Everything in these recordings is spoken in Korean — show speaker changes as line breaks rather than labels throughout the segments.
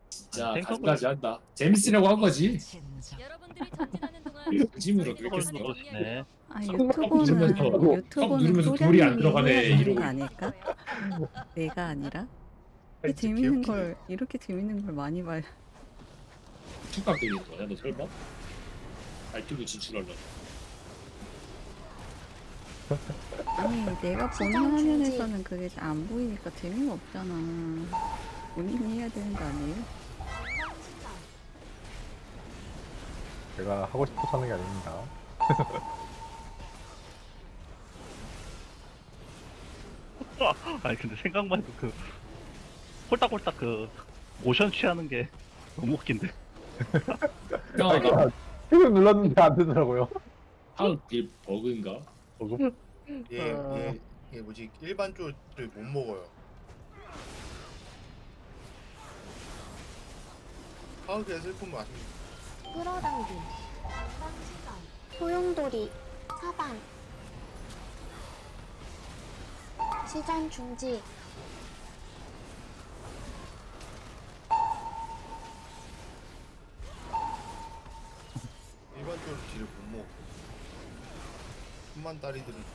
진짜
생각을-
가지가지 한다. 재밌으려고 한 거지.
여러분들이 전진하는 동안
진심으로 그렇게 했어.
네.
아
누르면서
유튜버는
누르면서 돌이 안
소량님이
들어가네,
해야 되는
이러고
거 아닐까? 내가 아니라?
아이,
재밌는
개웃기네.
걸 이렇게 재밌는 걸 많이 봐요.
툭각 들리는 거야, 너 설마? 알투브 진출하려고.
아니 내가 보는 화면에서는 그게 잘 안 보이니까 재미가 없잖아. 본인이 해야 되는 거 아니에요?
제가 하고 싶어서 하는 게 아닙니다.
아니 근데 생각만 해도 그 홀딱홀딱 그 모션 취하는 게 너무 웃긴데.
이상하다.
지금 눌렀는데 안 되더라고요.
하우길 버그인가?
얘 뭐지 일반 쪽을 못 먹어요. 파우드의 슬픔 아십니까?
끌어당김 소용돌이 사방 시전 중지
일반 쪽으로 딜을 못 먹어. 천만 다리들은 다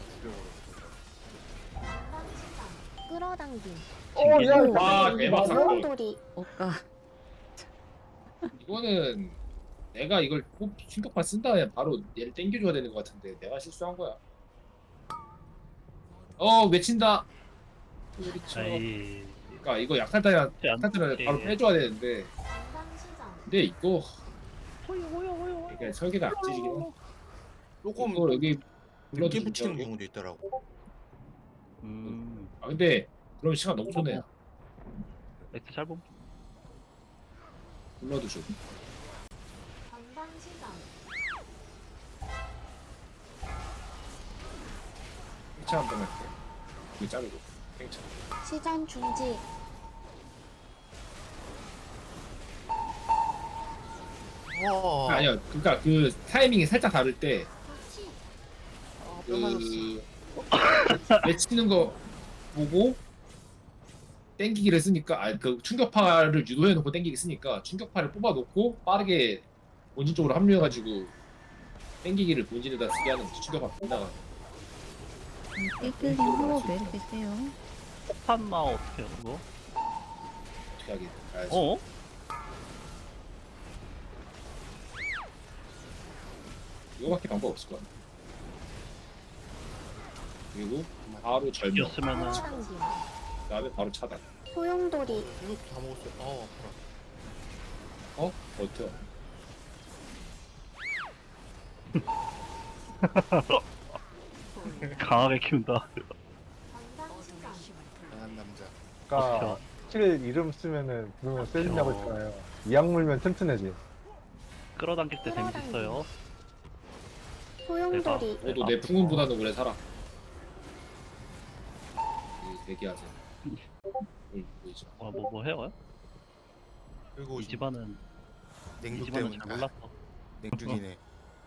죽여버렸어.
끌어당김
와, 대박 사건.
소용돌이
오까
이거는 내가 이걸 충격파 쓴 다음에 바로 얘를 땡겨줘야 되는 것 같은데 내가 실수한 거야. 외친다. 그렇죠.
아이.
그러니까 이거 약탈자야
안
약탈자를
돼.
바로 빼줘야 되는데
건강시전
근데 이거 이게 설계가 악질이긴 해.
조금
이거 여기
늦게
불러도
붙이는
중요하고.
경우도 있더라고.
근데 그럼 시간 너무 손해야.
엑스 짧음.
불러도 좀.
건강시전
팽창 한번 할게. 이거 자르고. 팽창.
시전 중지
와.
아니야. 그러니까 그 타이밍이 살짝 다를 때
뼈 맞았어.
외치는 거 보고 땡기기를 쓰니까 그 충격파를 유도해 놓고 땡기기 쓰니까 충격파를 뽑아 놓고 빠르게 본진 쪽으로 합류해 가지고 땡기기를 본진에다 쓰게 하는 거지. 충격파 빗나가.
삐끌림 하고 내리세요.
폭탄마 어떻게 해요 그거?
어떻게 하게 가야지.
어?
이거밖에 방법 없을 거야. 그리고 바로 절명.
이었으면은
끌어당김
그다음에 바로 차단.
소용돌이
이것도 다 먹었어요. 아파라.
버텨.
강하게 키운다.
건강시전
강한 남자.
그러니까 실 이름 쓰면은 부르면 세진다고 했잖아요. 이악 물면 튼튼해지.
끌어당길 때 재밌어요.
소용돌이
너도 내 풍운보다는 오래 살아. 대기하자. 보이죠.
뭐 해요?
그리고
이 집안은 이
냉죽
집안은
때문에
잘 몰랐어.
냉죽이네.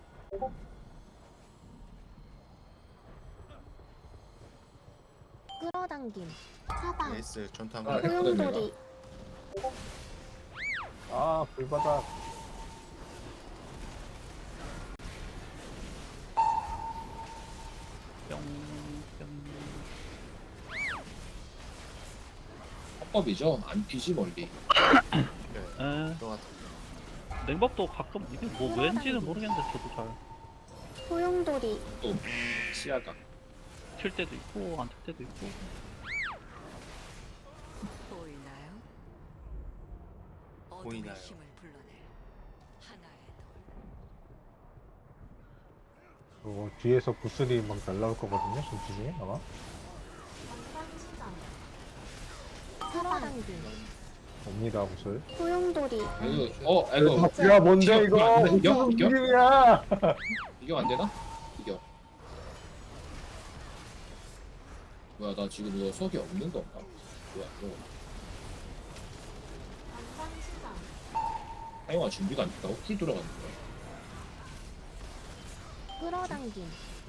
끌어당김 사방
에이스 전투
아,
한번.
소용돌이
아 불바다.
뿅.
합법이죠. 안 피지 멀리.
에.
들어갔다.
냉밥도 가끔 이게 뭐 왠지는 모르겠는데 저도 잘 칠
소용돌이
또 시야가.
때도 있고 안 칠 때도 있고.
보이나요?
보이나요?
어둠의 힘을 불러낼 하나의 돌.
그리고 뒤에서 구슬이 막 날라올 거거든요. 전투 중에 아마.
끌어당김
옵니다 구슬.
소용돌이
이거 이거
야 뭔데 이거?
이겨? 이겨?
무슨
이겨?
움직임이야?
이겨 안 되나? 이겨. 뭐야 나 지금 이거 수학이 없는 건가? 뭐야 이거 사용할 준비가 안 됐다고? 쿨 돌아가는 거야.
끌어당김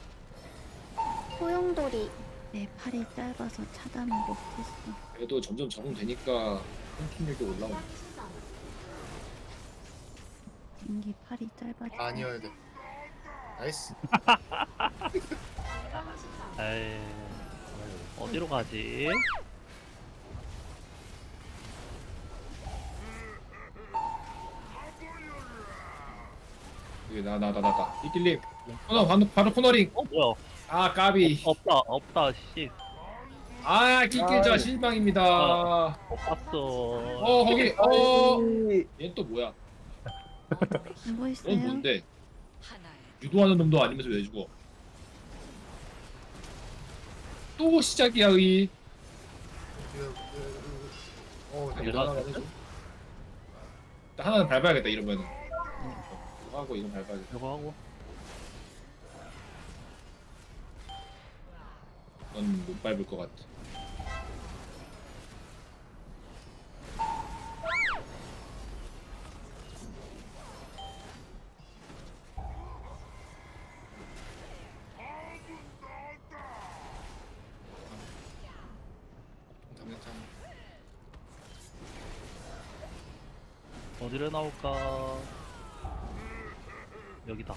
소용돌이
내 팔이 짧아서 차단을 못했어.
그래도 점점 적응되니까 통통력이 올라오네.
땡기 팔이 짧아져.
아니어야 돼. 나이스.
에이, 어디로 가지?
여기 나. 이길님. 코너 바로 코너링.
뭐야?
아 까비.
없다, 씨.
아 킬킬자
아이.
실망입니다.
못 봤어.
거기 얘는 또 뭐야?
뭐
얘는
있어요?
뭔데?
하나의
유도하는 놈도 아니면서 왜 죽어? 또 시작이야 의.
네.
유도 하나만 해줘. 일단 하나는 밟아야겠다 이러면은. 이거 하고 이건 밟아야겠다.
이거 하고.
넌 못 밟을 것 같아.
당장
어디로 나올까? 여기다.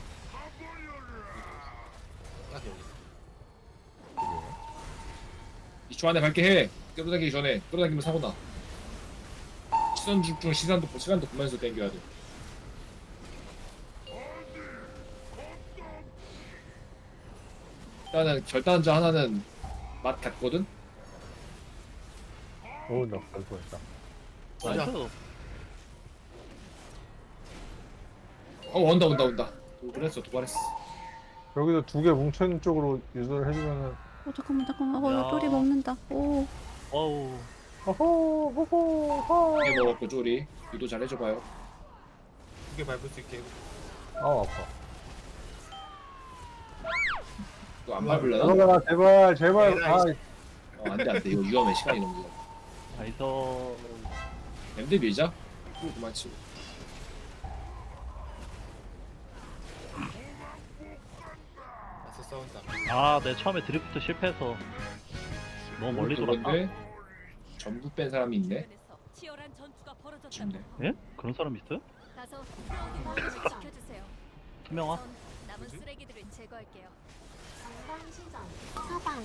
딱 여기.
2초 안에 밟게 해. 끌어당기기 전에. 끌어당기면 사고 나. 시선 집중 시간도 보면서 당겨야 돼. 일단은 결단자 하나는 맛 같거든.
오, 나 뻔했다.
맞아.
나이스.
온다. 도발했어.
여기서 두 개 뭉쳐있는 쪽으로 유도를 해주면은
잠깐만.
야.
쪼리 먹는다. 오.
어우.
호호호호
이게 먹었고 쪼리. 유도 잘 해줘봐요.
두개 밟을 수 있게.
아 아파.
이거 안 밟을래나?
들어가라 제발 아
안돼 이거 위험해. 시간이 너무 위험해.
나이스.
램드 밀자. 그만 치고.
맞서 싸운다.
아, 내 처음에 드리프트 실패해서 너무 멀리 돌았다.
그건데 전부 뺀 사람이 있네.
주변에서 치열한 전투가 벌어졌다.
아쉽네.
예? 그런 사람 있어요?
가서 싸우는 모습을 지켜주세요.
투명아?
전 남은 쓰레기들을 제거할게요.
전방시전 사방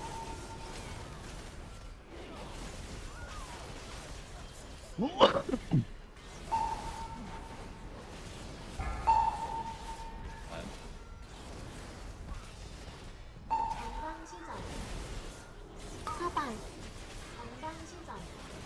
전방시전 사방 전방시전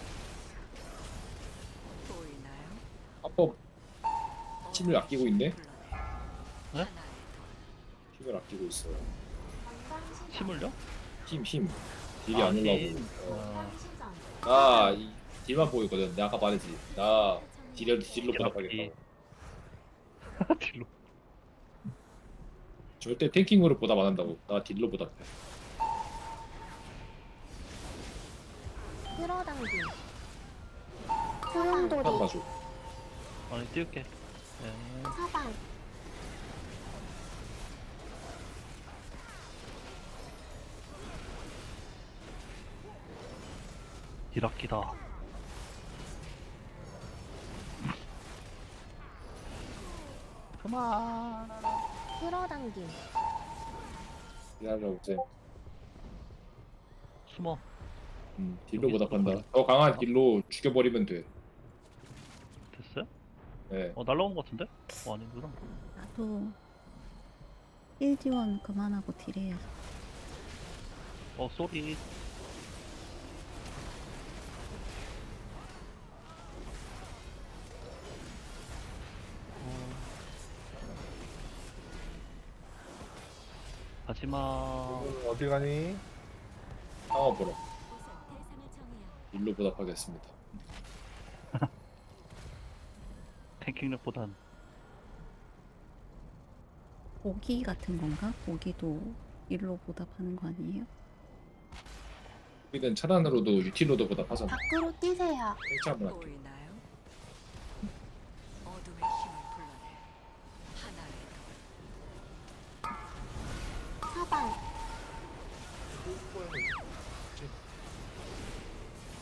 보이나요?
합법 힘을 아끼고 있네.
네?
힘을 아끼고 있어요.
전방시전
침을요?
힘. 딜이 안 올라오고.
전방시전
나이 딜만 보고 있거든. 내가 아까 말했지. 나 딜로 보답하겠다고.
딜로.
절대 탱킹으로 보답 안 한다고. 나 딜로 보답해.
끌어당김
한
소용돌이
봐줘.
아니, 띄울게. 네.
사방
딜아끼다. 그만.
끌어당김
미안하고 쌤.
숨어.
딜로 보답한다. 더 강한 딜로 죽여버리면 돼.
됐어요?
네.
날라온 것 같은데? 아니구나.
나도 1지원 그만하고 딜해야.
쏘리. 가지마.
어디 가니?
상어 보러.
우선 대상을 정해요.
딜로 보답하겠습니다.
탱킹력보단
고기 같은 건가? 고기도 일로 보답하는 거 아니에요?
우리는 차단으로도 유틸로도 보답하잖아.
밖으로 뛰세요
탱치 한번 할게.
보이나요? 어둠의 힘을 불러내 하나의
사방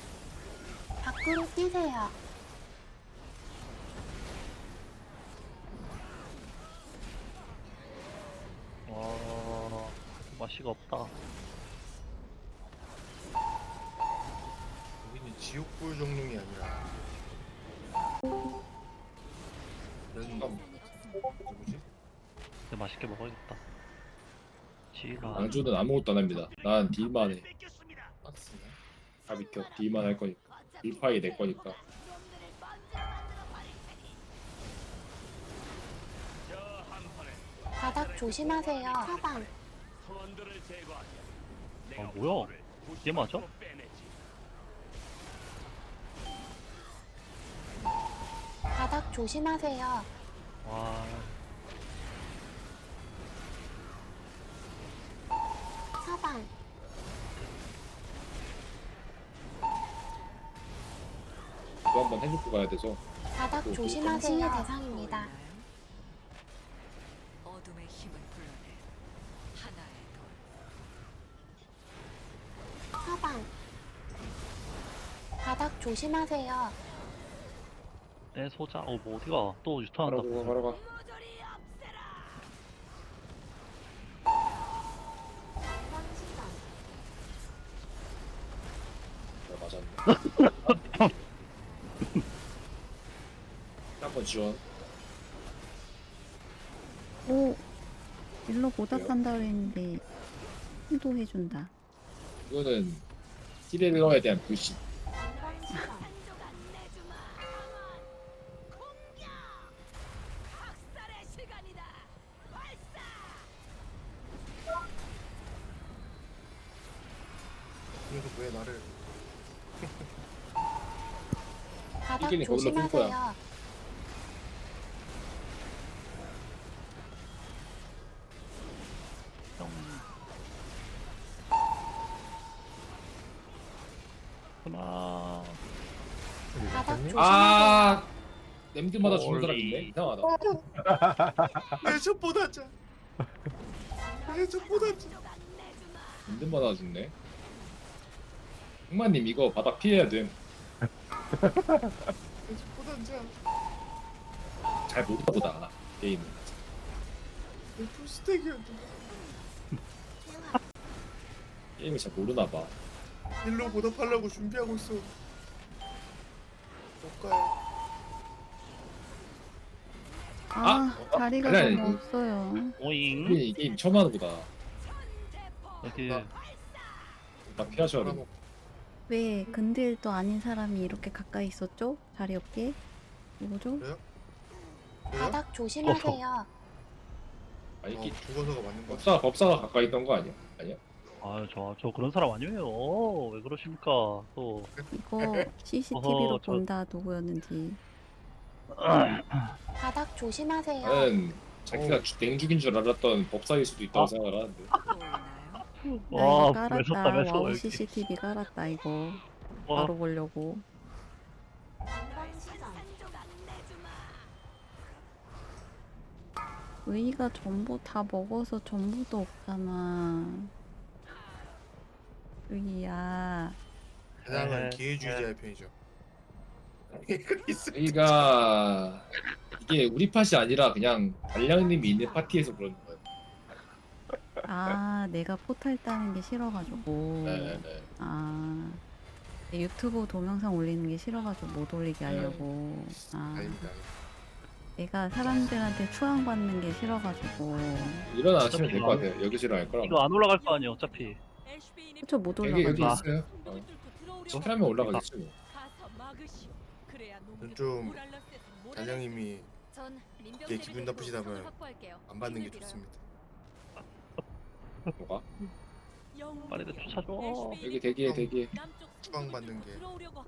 밖으로 뛰세요
가시가 없다.
여기는 지옥불 정령이 아니라 이런
음.
누구지?
근데 맛있게 먹어야겠다. 지라.
양주는 아무것도 안 합니다. 난 딜만 해.
박스네.
다 비켜. 딜만 할 거니까. 딜파이 내 거니까.
바닥 조심하세요. 사방.
아 뭐야? 얘 맞아?
바닥 조심하세요.
와.
사방.
이거 한번 해주고 가야 돼서.
바닥 조심하세요. 당신의 대상입니다.
어둠의 힘을 불러내 하나의 돌.
사방. 바닥 조심하세요.
내 소자. 뭐 어디가? 또 유턴한다.
바로 가, 바로 가. 맞았네. 한번 지원.
오, 일로 보답한다 그랬는데 힐도 해준다.
이거는 힐러에 대한 불신.
그래서 왜 나를
바닥
이기는 거울로 볼 거야.
조심하세요.
뿅. 하나.
바닥
님
조심하세요.
아, 냄새마다 죽는 사람
멀리.
있네. 이상하다.
내전보다 짜. 내전보다 짜.
냄새마다 죽네. 흑마님 이거 바닥 피해야 돼.
내전보다 짜.
잘 모르나 보다 게임은.
내 풀스택이었는데.
게임을 잘 모르나 봐.
일로 보답하려고 준비하고 있어. 못 가요.
아, 자리가
아니,
너무 없어요.
오잉.
이 게임 처음 하는 거다.
여기
딱 피하셔야 돼.
돌아먹.
왜 근딜도 아닌 사람이 이렇게 가까이 있었죠? 자리 없게? 뭐죠?
왜요?
바닥 조심하세요.
아니 이
죽어서가 맞는 거 같아.
법사가 가까이 있던 거 아니야? 아니야?
저 그런 사람 아니에요. 왜 그러십니까? 또.
이거 CCTV로
어허, 저-
본다 누구였는지.
바닥 조심하세요.
나는 자기가 냉죽인 줄 알았던 법사일 수도 있다고
아.
생각을 하는데.
보이나요?
나
와,
이거 깔았다.
매섭다, 매서워.
와우
여기.
CCTV 깔았다 이거.
와,
바로 보려고. 의의가 전부 다 먹어서 전부도 없잖아. 의의야.
세상은
네.
기회주의자의 편이죠.
우리가 이게 우리 팟이 아니라 그냥 달량님이 있는 파티에서 그러는 거예요.
아, 내가 포탈 따는 게 싫어가지고.
네네네.
아, 유튜브 동영상 올리는 게 싫어가지고 못 올리게 하려고. 아,
아닙니다.
내가 사람들한테 추앙받는 게 싫어가지고.
일어나시면 될 것 같아요. 여기서 일어날 거라고.
이거 안 올라갈 거 아니야, 어차피.
그쵸, 못
여기
올라가죠.
있어요. 어떻게 하면 올라가겠지 뭐.
전 좀 달량님이
전
이게 기분 나쁘시다면
확보할게요.
안 받는 게
힘을 빌어요.
좋습니다.
뭐가?
빨리들 쫓아줘.
여기 대기해.
추앙받는 게.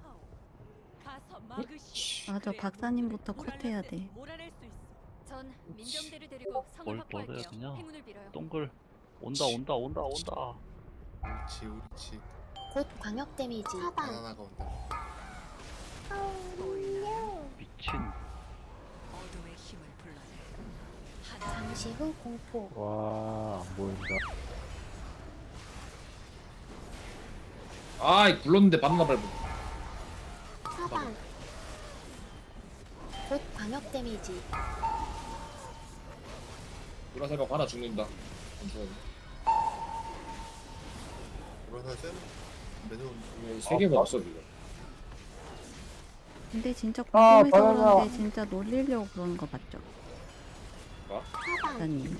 맞아, 박사님부터 컷해야 돼.
전 민병대를 데리고 성을
뭘
확보할게요.
먹어야 되냐?
행운을 빌어요.
동글. 온다.
옳지.
곧 광역 데미지. 사방.
바나나가 온다.
보이나요?
미친.
어둠의 힘을 불러내 하나
잠시 후 공포.
와, 안 보인다.
아이 굴렀는데 바나나 밟고.
사방. 곧 광역 데미지.
돌아서가 하나 죽는다. 잠시만요.
불화살 쎄 매서운.
세 개 먹었어 지금.
근데 진짜
아,
궁금해서
바나나.
그런데 진짜 놀리려고 그러는 거 맞죠?
사방
사장님.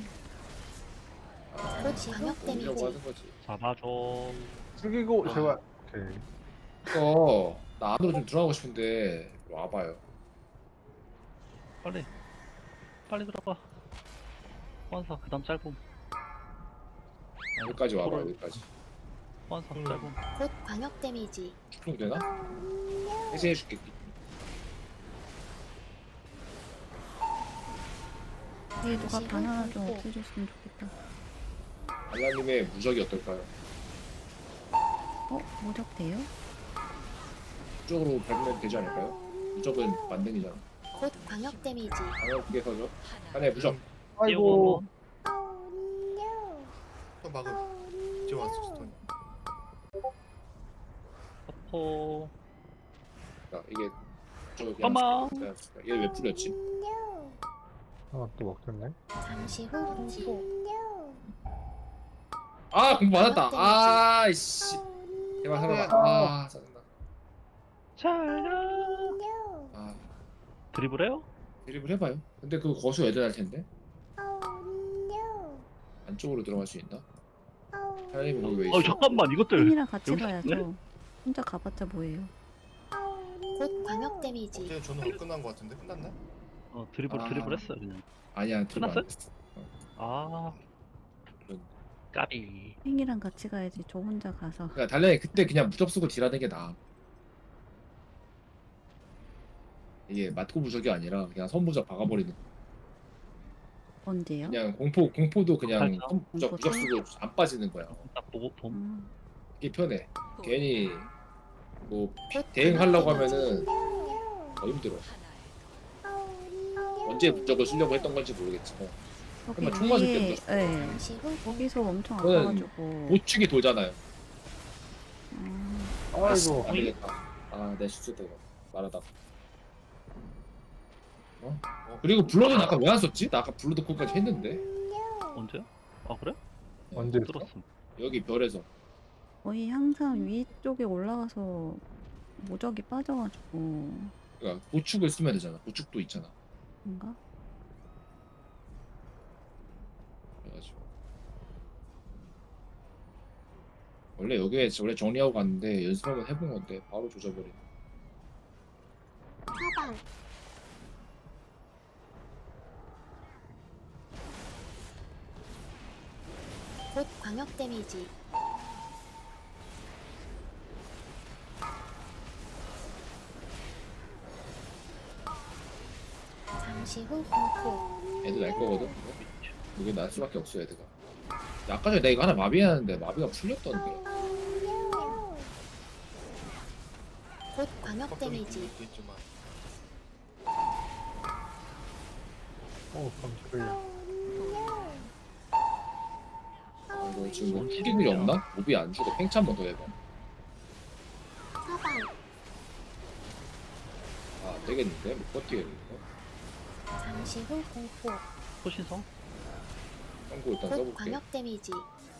곧 광역
이라고
데미지
하는 거지.
잡아줘.
죽이고 제발. 오케이.
이거 나 안으로 좀 들어가고 싶은데 와봐요.
빨리. 빨리 들어가. 환사 그다음 짧음.
여기까지 와봐 여기까지.
환사 짧음.
곧 광역 데미지
축풍 되나? 해제해줄게.
뒤에 누가 바나나 좀 없애줬으면 좋겠다.
알라님의 무적이 어떨까요?
무적돼요?
이쪽으로 밟으면 되지 않을까요? 무적은 만능이잖아.
곧 광역 데미지
방역국에서죠.
하나.
하나의 무적.
아이고.
또 막음. 이제 왔어 스톤.
퍼포.
야, 이게 저
어머.
얘 왜 풀렸지?
또 먹혔네.
잠시 후 공포
아 공부 받았다. 아이씨. 제발 살아라. 아 짜증나.
잘가.
아
드리블해요?
드립을 해봐요. 근데 그 거수 애들 할 텐데. 안쪽으로 들어갈 수 있나? 사장님 거기 왜 있어?
잠깐만 이것들.
팬이랑 같이
여기
가야죠. 혼자 가봤자 뭐예요?
곧 광역 데미지
어제 저는 끝난 거 같은데 끝났나?
드리블
아.
드리블했어요 그냥.
아니야 드립 안
끝났어요?
했어.
아.
그런-
까비.
팬이랑 같이 가야지. 저 혼자 가서.
그러니까 달량이 그때 그냥 무적 쓰고 딜하는 게 나아. 이게 맞고 무적이 아니라 그냥 선무적 박아버리는.
언제요?
그냥 공포도 그냥
살짝.
무적
공포도?
쓰고 안 빠지는 거야.
딱 보고 봄.
음,
이게 편해. 괜히 뭐
곧
대응하려고
광역
하면은 더 힘들어.
하나에
언제 무적을 쓰려고 했던 건지 모르겠지만
저기
그러면 총 맞을 때
위에,
묻었어.
네.
잠시 후
거기서 엄청
그거는
아파가지고.
보축이 돌잖아요.
아이고.
안 되겠다. 내 실수다 이거 말하다가. 그리고 블러드는 아까 왜 안 썼지? 나 아까 블러드 콜까지 했는데
언제요? 아 그래?
언제
못 들었음.
여기 별에서
거의 항상 위쪽에 올라가서 무적이 빠져가지고.
그러니까 보축을 쓰면 되잖아. 보축도 있잖아.
뭔가?
그래가지고 원래 여기에 원래 정리하고 갔는데 연습 한번 해본 건데 바로 조져버리네.
사방 곧 광역 데미지 잠시 후 공포
애들 날 거거든. 이게 날 수밖에 없어 애들가. 아까 전에 내가 이거 하나 마비했는데 마비가 풀렸던데.
곧 광역 데미지
있겠지만
깜짝이야.
이거 지금 뭐 튀길 일이 없나? 몹이 안 죽어. 팽차 한번 더 해봐.
사방
안 되겠는데? 못 버티겠는데?
잠시 후 공포
호신성?
한고 일단
곧
써볼게.
광역 데미지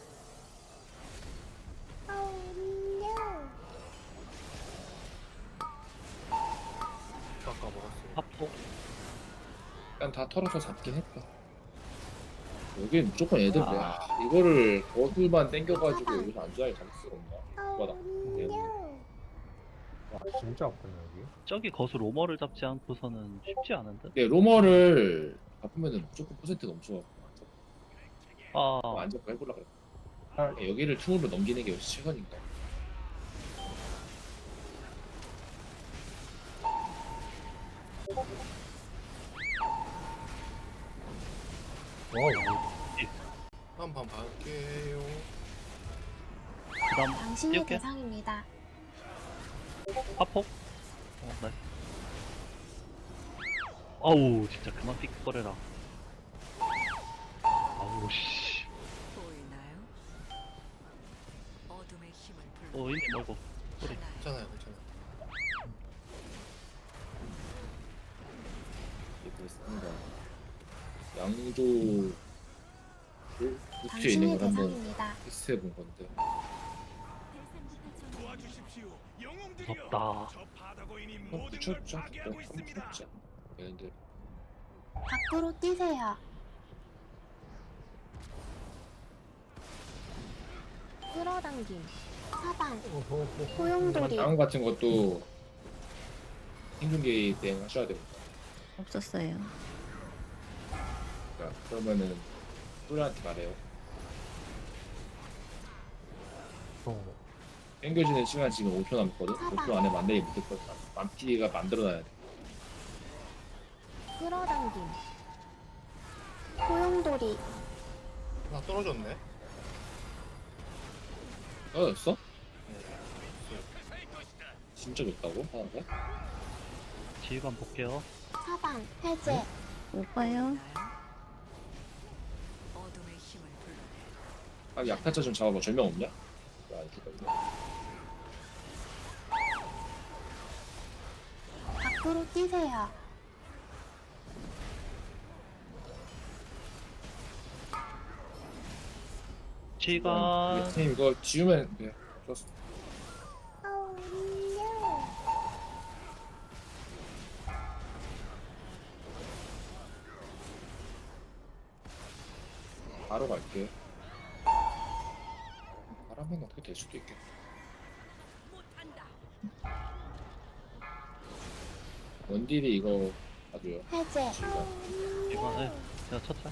깎아 먹었어.
파포.
일단 다 털어서 잡긴 했다. 여기 무조건 애들 이거를 거들만 땡겨가지고 여기서 안전하게 잡을 수가 없나? 뭐다.
와 진짜 아프네 여기.
저기 거수 로머를 잡지 않고서는 쉽지 않은데?
근데 로머를 잡으면은 무조건 퍼센트 넘쳐.
아,
안 잡고 해보려 그래.
아.
여기를 틈으로 넘기는 게 역시 최선인가.
한번 볼게요.
그다음
당신이
띄울게.
대상입니다.
파폭. 나이스. 아우 진짜 그만 삑거려라. 아우 씨.
보이나요? 어둠의 힘을 불러.
이미 먹어. 소리.
하나에
괜찮아요, 괜찮아요.
이게 그렇습니다. 양조 루트에 있는
당신이
걸 한번
대상입니다.
테스트해 본 건데
무섭다.
붙였죠. 붙였죠. 얘네들
밖으로 뛰세요. 끌어당김. 사방. 소용돌이.
다음 같은 것도 생존기 대응 하셔야 됩니다.
없었어요.
그러니까 그러면은 소리한테 말해요. 땡겨지는 시간 지금 5초 남았거든. 5초 안에 만들기 못했거든. 만피가 만들어놔야 돼.
끌어당김. 소용돌이.
나 떨어졌네.
떨어졌어? 진짜 좋다고? 하는데?
지휘관 볼게요.
사방. 해제.
오빠요?
어둠의 힘을 불러내.
아, 약탈자 좀 잡아봐. 절명 없냐? 안 죽었네.
밖으로 뛰세요.
지휘관.
팀 이거 지우면 돼. 좋았어. 바로 갈게. 바람은 어떻게 될 수도 있겠다. 원딜이 이거 봐줘요.
해제.
지휘관을 제가 첫째.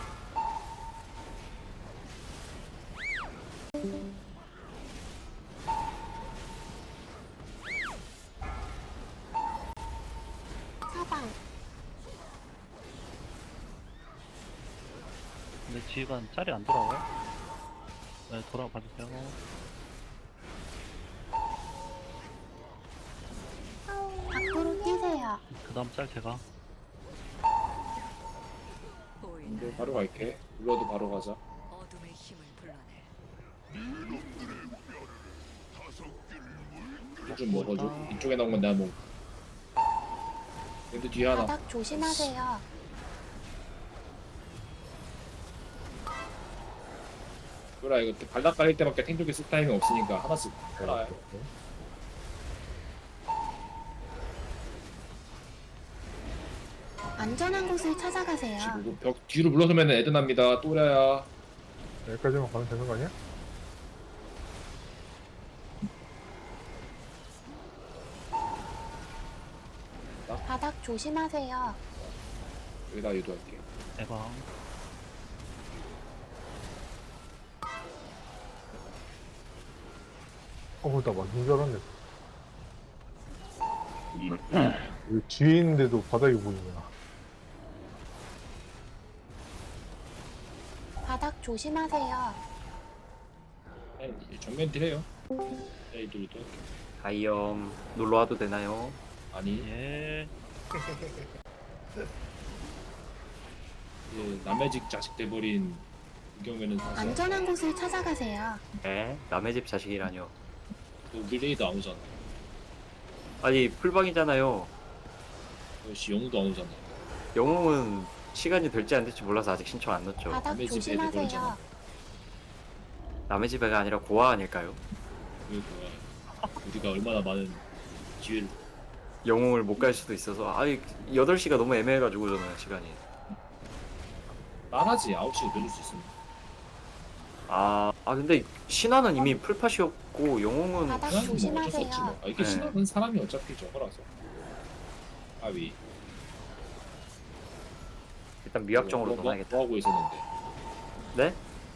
사방.
근데 지휘관 짤이 안 돌아와요? 네, 돌아봐 주세요.
밖으로 뛰세요.
그 다음 짤 제가.
보이나요?
이거 바로 갈게. 불러도 바로 가자.
어둠의 힘을 불러내.
좀 먹어줘. 이쪽에 나온 건 내가 먹. 얘도 뒤에 하나.
바닥 조심하세요.
그래 이거 발락 깔릴 때밖에 탱조기 쓸 타임이 없으니까 하나씩 깔아요.
안전한 곳을 찾아가세요.
지금 벽 뒤로 물러서면 애드 납니다. 또래야.
여기까지만 가면 되는 거 아니야?
바닥 조심하세요.
여기다 유도할게.
대방.
나 맞는 줄 알았네. 왜 뒤에 있는데도 바닥이 보이냐.
바닥 조심하세요.
네, 정면 딜해요. 네, 유도 할게.
다이엄 놀러 와도 되나요?
아니
예.
이제 남의 집 자식 돼버린 이 경우에는 사실
안전한 곳을 찾아가세요.
네? 남의 집 자식이라뇨.
그 릴레이도 안 오잖아.
아니 풀방이잖아요.
역시 영웅도 안 오잖아.
영웅은 시간이 될지 안 될지 몰라서 아직 신청 안 넣었죠.
바닥
남의 집 애들
조심하세요.
그러잖아.
남의 집애가 아니라 고아 아닐까요?
그러니까 우리가 얼마나 많은 기회를
영웅을 못 갈 수도 있어서 아니 8시가 너무 애매해가지고 저는 시간이
말하지 9시에 늘릴 수 있습니다.
근데 신화는 이미 풀팟이었고 영웅은
바닥
그냥 뭐 어쩔 수
조심하세요.
없지 뭐. 이게
네.
신화는 사람이 어차피 저거라서. 아위.
일단 미확정으로 떠나야겠다.
뭐 하고 있었는데?
네?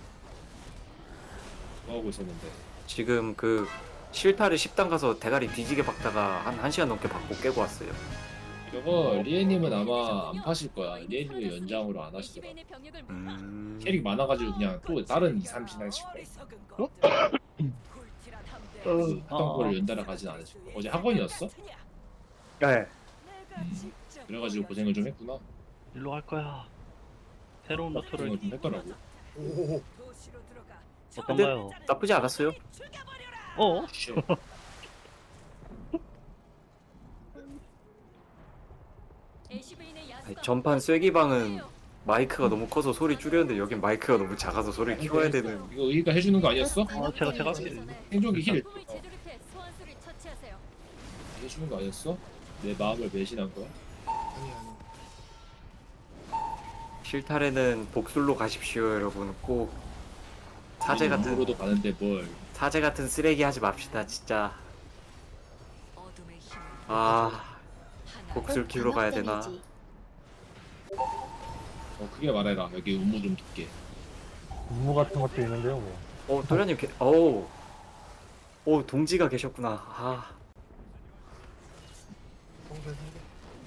뭐 하고 있었는데?
지금 그 실타를 10단 가서 대가리 뒤지게 박다가 한 1시간 넘게 박고 깨고 왔어요.
이거 리에님은 아마 안 파실 거야. 리에님이 연장으로 안 하시더라. 캐릭 많아가지고 그냥 또 다른 2, 3신 하실 거야. 하던 거를 연달아 가진 않으실 거야. 어제 학원이었어?
네.
그래가지고 고생을 좀 했구나.
일로 갈 거야. 새로운 루트를
고생을 좀 했더라고.
오.
어떤가요?
나쁘지 않았어요.
어?
쉬어.
아니, 전판 쐐기방은 마이크가 너무 커서 소리 줄였는데 여긴 마이크가 너무 작아서 소리를 키워야 되는.
이거 의의가 해주는 거 아니었어?
제가
생존기 힐. 해주는 거 아니었어? 내 마음을 배신한 거야?
아니 아니.
실타래는 복술로 가십시오 여러분. 꼭 사제 같은
으로도 가는데 뭘?
사제 같은 쓰레기 하지 맙시다 진짜.
어둠의 힘을
아
하나
복술 키우러 가야 되나?
데미지.
크게 말해라. 여기 음모 좀 듣게.
임무 같은 것도 있는데요, 뭐.
도련님 어우 오 동지가 계셨구나. 아
성대 성대.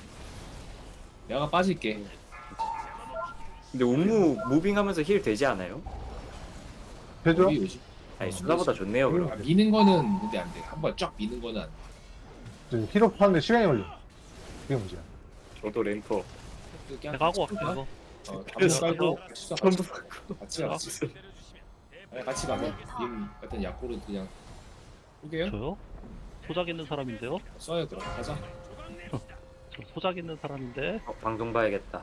내가 빠질게.
근데 운무 무빙하면서 힐 되지 않아요?
되죠?
여기 오지.
아니 수나보다 좋네요 그럼.
아, 미는 거는 근데 안 돼. 한번 쫙 미는 거는 안 돼.
저 힐업 하는데 시간이 걸려. 그게 문제야.
저도 램퍼
그냥
내가 하고
같이
왔어
가.
이거.
그래서 깔고 같이 써.
전부
같이 가. 같이. 아니, 같이 가면 님 같은 약골은 그냥 쏘게요?
저요? 소작 있는 사람인데요?
써요 그럼 가자.
저 소작 있는 사람인데
방송 봐야겠다.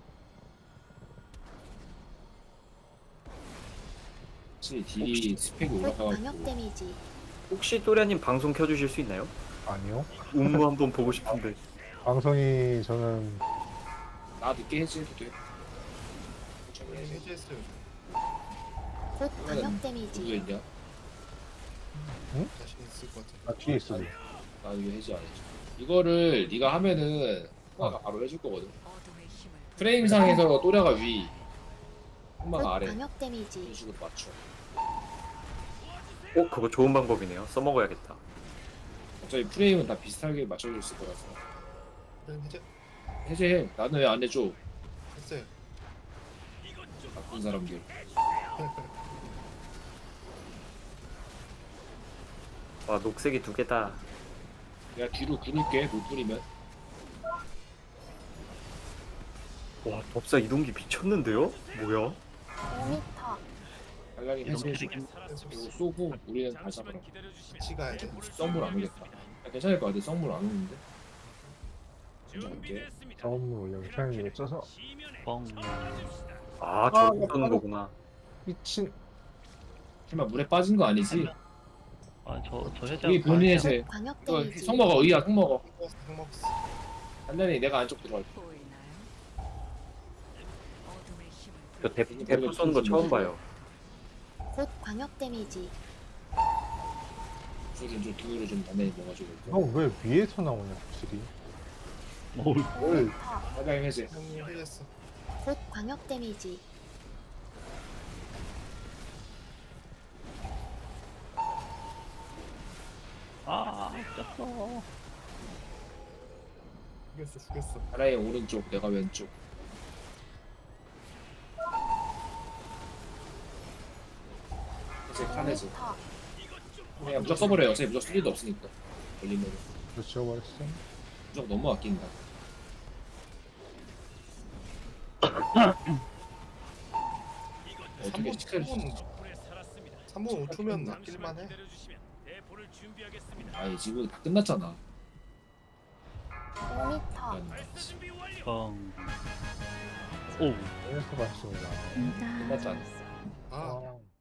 확실히 딜이 스펙이
곧 방역
올라가고
데미지.
혹시 또련님 방송 켜주실 수 있나요?
아니요.
운무 한번 보고 싶은데.
방송이 저는
나 늦게 해지해도 돼.
네, 해제했어요.
곧 방역 데미지.
누구 했냐?
자신 있을 것 같아.
나 뒤에 있어.
나 이거 해지 안 해줘. 이거를 네가 하면은 흑마가 바로 해줄 거거든.
어둠의 힘을
프레임상에서 또래가 위,
곧
흑마가 아래.
방역
이런
데미지.
식으로 맞춰.
그거 좋은 방법이네요. 써먹어야겠다.
어차피 프레임은 다 비슷하게 맞춰져 있을 거라서.
그럼 해제
해제해. 나는 왜 안 해줘?
했어요.
나쁜 사람들.
와 녹색이 2개다.
내가 뒤로 구를게. 못 뿌리면.
와 법사 이동기 미쳤는데요? 뭐야?
5m.
빨랑이
이런
해제해.
캐릭이
이거 쏘고 우리는 다 잡아라.
같이 가야 돼.
썸물 안 오겠다. 야, 괜찮을 것 같아. 썸물 안 오는데. 먼저 갈게.
저음을 올려고 타이밍을 쪄서
뻥.
아 저거 쏘는 거구나.
미친.
설마 물에 빠진 거 아니지?
아저 해제.
우리 본인 해제.
곧 방역
이거
데미지.
성 먹어. 의야 성 먹어.
형 먹었어.
단단히 내가 안쪽 들어갈게.
보이나요? 어둠의 힘을
저 대포 쏘는 거 처음 봐요.
곧 방역 데미지.
저기 좀 등으로 좀 단단히 먹어주고.
형 왜 위에서 나오냐, 확실히.
어우
5m.
빨랑이 해제.
형님 해제했어.
곧 방역 데미지.
아 짰어.
죽였어.
하나의 오른쪽, 내가 왼쪽. 이제 칸에서
5m.
그냥 무적 써버려요. 어차피 무적 쓸 일도 없으니까. 걸리면
그거 지워버렸어.
무적 너무 아낀다. 어떻게
3분
시크를
3분 5초면 낚일만 해.
아니 지금 다 끝났잖아.
5m.
아니,
뻥. 오.
위에서 봤습니다.
끝났잖아.
아
아,